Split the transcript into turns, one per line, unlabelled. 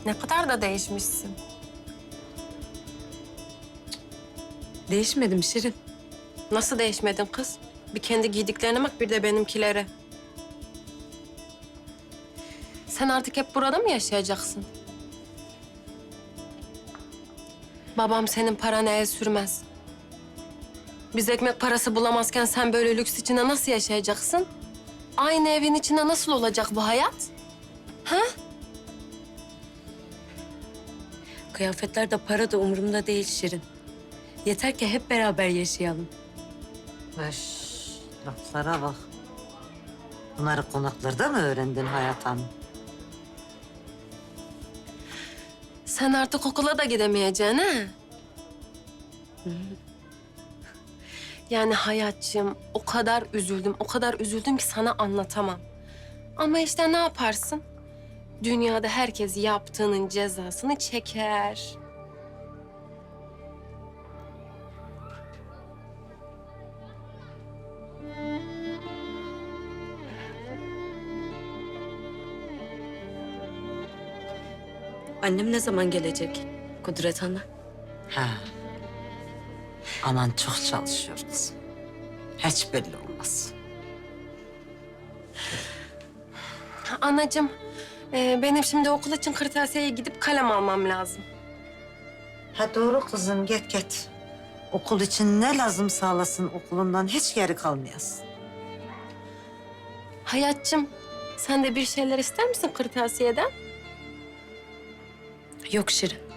Ne kadar da değişmişsin.
Değişmedim Şirin.
Nasıl değişmedin kız? Bir kendi giydiklerine bak, bir de benimkilere. Sen artık hep burada mı yaşayacaksın? Babam senin parana el sürmez. Biz ekmek parası bulamazken sen böyle lüks içinde nasıl yaşayacaksın? Aynı evin içinde nasıl olacak bu hayat? Ha?
Kıyafetler de para da umurumda değil Şirin. Yeter ki hep beraber yaşayalım.
Öş, laflara bak. Bunları konaklarda mı öğrendin Hayat Hanım?
Sen artık okula da gidemeyeceksin ha? Yani Hayatçığım, o kadar üzüldüm ki sana anlatamam. Ama işte ne yaparsın? Dünyada herkes yaptığının cezasını çeker.
Annem ne zaman gelecek Kudret Ana?
Ha. Anan çok çalışıyor kızım. Hiç belli olmaz.
Anacığım, benim şimdi okul için kırtasiyeye gidip kalem almam lazım.
Ha doğru kızım, git. Okul için ne lazım sağlasın, okulundan hiç geri kalmayasın.
Hayatçığım, sen de bir şeyler ister misin kırtasiyeden?
Yok Şirin.